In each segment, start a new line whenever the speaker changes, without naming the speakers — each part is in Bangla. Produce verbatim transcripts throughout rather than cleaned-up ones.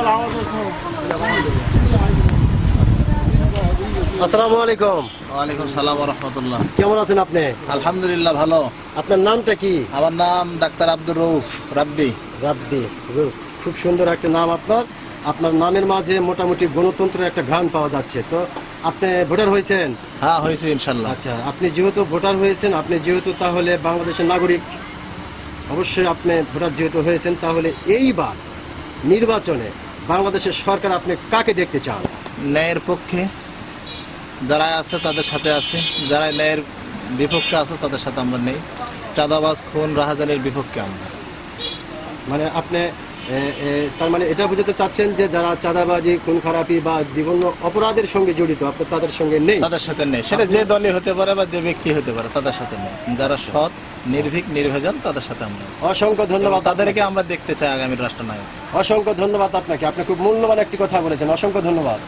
আসসালামু আলাইকুম।
ওয়ালাইকুম সালাম ওয়া রাহমাতুল্লাহ।
কেমন আছেন আপনি?
আলহামদুলিল্লাহ ভালো।
আপনার নামটা কি?
আমার নাম ডাক্তার আব্দুর রউফ রাব্বি।
রাব্বি, খুব সুন্দর একটা নাম আপনার। আপনার নামের মাঝে মোটামুটি গণতন্ত্রের একটা ঘ্রাণ পাওয়া যাচ্ছে। তো আপনি ভোটার হয়েছেন?
হ্যাঁ হয়েছে ইনশাল্লাহ।
আচ্ছা, আপনি যেহেতু ভোটার হয়েছেন, আপনি যেহেতু তাহলে বাংলাদেশের নাগরিক, অবশ্যই আপনি ভোটার যেহেতু হয়েছেন, তাহলে এইবার নির্বাচনে বাংলাদেশের সরকার আপনি কাকে দেখতে চান?
ন্যায়ের পক্ষে যারা আছে তাদের সাথে আছে, যারা ন্যায়ের বিপক্ষে আছে তাদের সাথে আমরা নেই। চাঁদাবাজ, খুন, রাহাজানির বিপক্ষে আমরা।
মানে আপনি এ, এ, তার মানে এটা বুঝাতে চাচ্ছেন যে যারা চাঁদাবাজি, খুন খারাপি বা বিভিন্ন অপরাধের সঙ্গে জড়িত, আপনি তাদের সঙ্গে নেই?
তাদের সাথে নেই। সেটা যে দলই হতে পারে বা যে ব্যক্তি হতে পারে, তাদের সাথে নেই। যারা সৎ, নির্ভীক, নির্ভেজাল, তাদের সাথে আমরা আছি।
অসংখ্য ধন্যবাদ।
তাদেরকে আমরা দেখতে চাই আগামীর রাষ্ট্রনায়ক।
অসংখ্য ধন্যবাদ আপনাকে। আপনি খুব মূল্যবান একটি কথা বলেছেন। অসংখ্য ধন্যবাদ।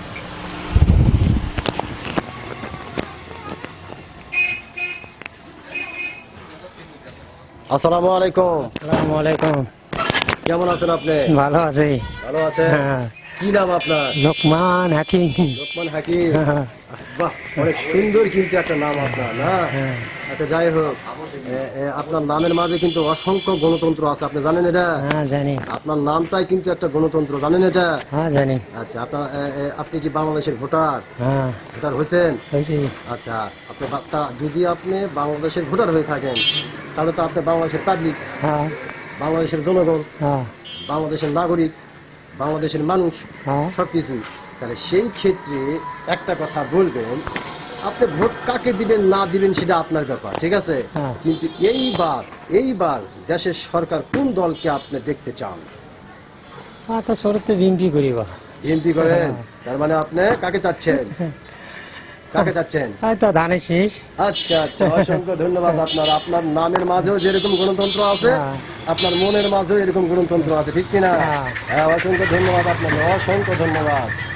আসসালামু আলাইকুম।
আসসালামু আলাইকুম।
কেমন আছেন আপনি?
ভালো আছি।
ভালো আছেন?
হ্যাঁ।
কি নাম আপনার?
লোকমান হাকিম।
লোকমান হাকিম।
হ্যাঁ।
বাহ, অনেক সুন্দর কিন্তু একটা নাম আপনার, না?
হ্যাঁ।
আচ্ছা, যাই হোক, এ, এ, আপনার নামের মাঝে কিন্তু অসংখ্য গণতন্ত্র আছে, আপনি জানেন এটা?
হ্যাঁ জানি।
আপনার নামটাই কিন্তু একটা গণতন্ত্র, জানেন এটা?
হ্যাঁ জানি।
আচ্ছা, আপনার এ, এ, আপনি কি বাংলাদেশের ভোটার?
হ্যাঁ
ভোটার হয়েছেন?
হয়েছি।
আচ্ছা, আপনি বা- তা- যদি আপনি বাংলাদেশের ভোটার হয়ে থাকেন, তাহলে তো আপনি বাংলাদেশের পাবলিক,
হ্যাঁ
বাংলাদেশের জনগণ,
হ্যাঁ
বাংলাদেশের নাগরিক, বাংলাদেশের মানুষ,
হ্যাঁ।
সবকিছু। তাহলে সেই ক্ষেত্রে একটা কথা বলবেন, আপনি ভোট কাকে দিবেন না দিবেন সেটা আপনার ব্যাপার, ঠিক আছে?
হ্যাঁ।
কিন্তু এইবার এইবার দেশের সরকার কোন দলকে আপনি দেখতে চান?
আচ্ছা, শরৎ তো বিএমপি করিব।
বিএনপি করেন?
হ্যাঁ।
তার মানে আপনি কাকে চাচ্ছেন? কাকে চাচ্ছেন?
হয়তো ধানের শীষ।
আচ্ছা আচ্ছা, অসংখ্য ধন্যবাদ আপনার। আপনার নামের মাঝেও যেরকম গণতন্ত্র আছে,
হ্যাঁ।
আপনার মনের মাঝেও এরকম গণতন্ত্র আছে, ঠিক কিনা?
হ্যাঁ।
হ্যাঁ, অসংখ্য ধন্যবাদ আপনাকে, অসংখ্য ধন্যবাদ।